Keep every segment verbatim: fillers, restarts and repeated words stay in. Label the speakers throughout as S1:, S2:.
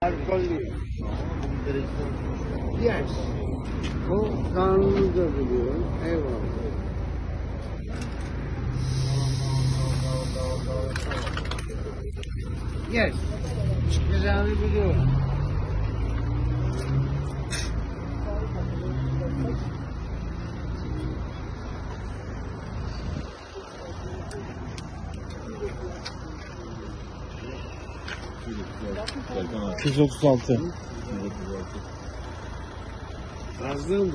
S1: Alkollü. Yes. O kanunu da biliyorum. Eyvallah. Yes. Çıkacağını biliyorum.
S2: iki yüz otuz altı.
S1: Fazla mı?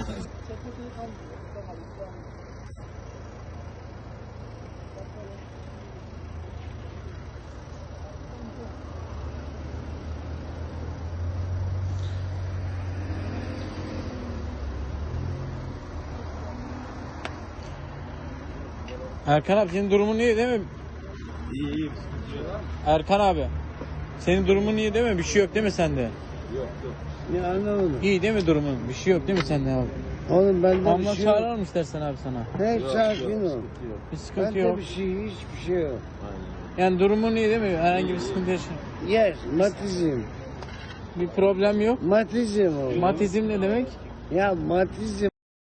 S2: Erkan abi senin durumun iyi değil mi?
S3: İyi iyi.
S2: Erkan abi. Senin durumun iyi değil mi? Bir şey yok değil mi sende?
S3: Yok yok.
S1: Ne anlamadım.
S2: İyi değil mi durumun? Bir şey yok değil mi sende abi?
S1: Oğlum bende bir
S2: Ambulans
S1: şey yok.
S2: çağıralım istersen abi sana.
S1: Hep
S3: Yok,
S1: sakin
S3: yok,
S1: ol.
S3: sıkıntı yok.
S2: Bir sıkıntı
S1: Bende
S2: yok.
S1: bir şey, hiçbir şey yok.
S3: Aynen.
S2: Yani durumun iyi değil mi? Herhangi bir sıkıntı yaşa.
S1: Yes, matizm.
S2: Bir problem yok.
S1: Matizm o.
S2: Matizm ne demek?
S1: Ya matizm.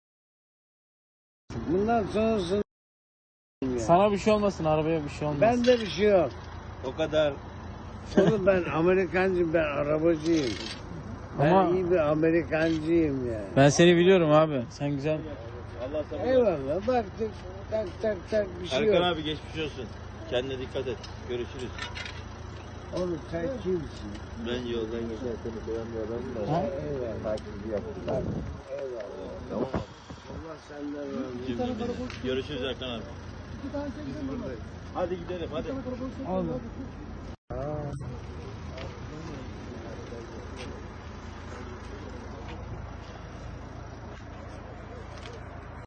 S1: Bundan sonrasını ya.
S2: Sana bir şey olmasın, arabaya bir şey olmasın.
S1: Bende bir şey yok.
S3: O kadar.
S1: Oğlum ben Amerikancıyım, ben arabacıyım. Ben
S2: Ama-
S1: iyi bir Amerikancıyım yani.
S2: Ben seni biliyorum abi. Sen güzel.
S3: Allah sabır.
S1: Eyvallah, baktık, tak tak tak bir şey
S3: Erkan
S1: yok.
S3: abi geçmiş olsun. Kendine dikkat et. Görüşürüz.
S1: Oğlum sen kimsin?
S3: Ben yoldan geçerken koyan bir adamım da.
S2: Ha?
S1: Eyvallah.
S3: Takibi yaptılar.
S1: Eyvallah.
S3: Tamam.
S1: Allah senden razı olsun.
S3: Şimdi görüşürüz Erkan abi. Hadi gidelim hadi.
S1: Oğlum. Aa,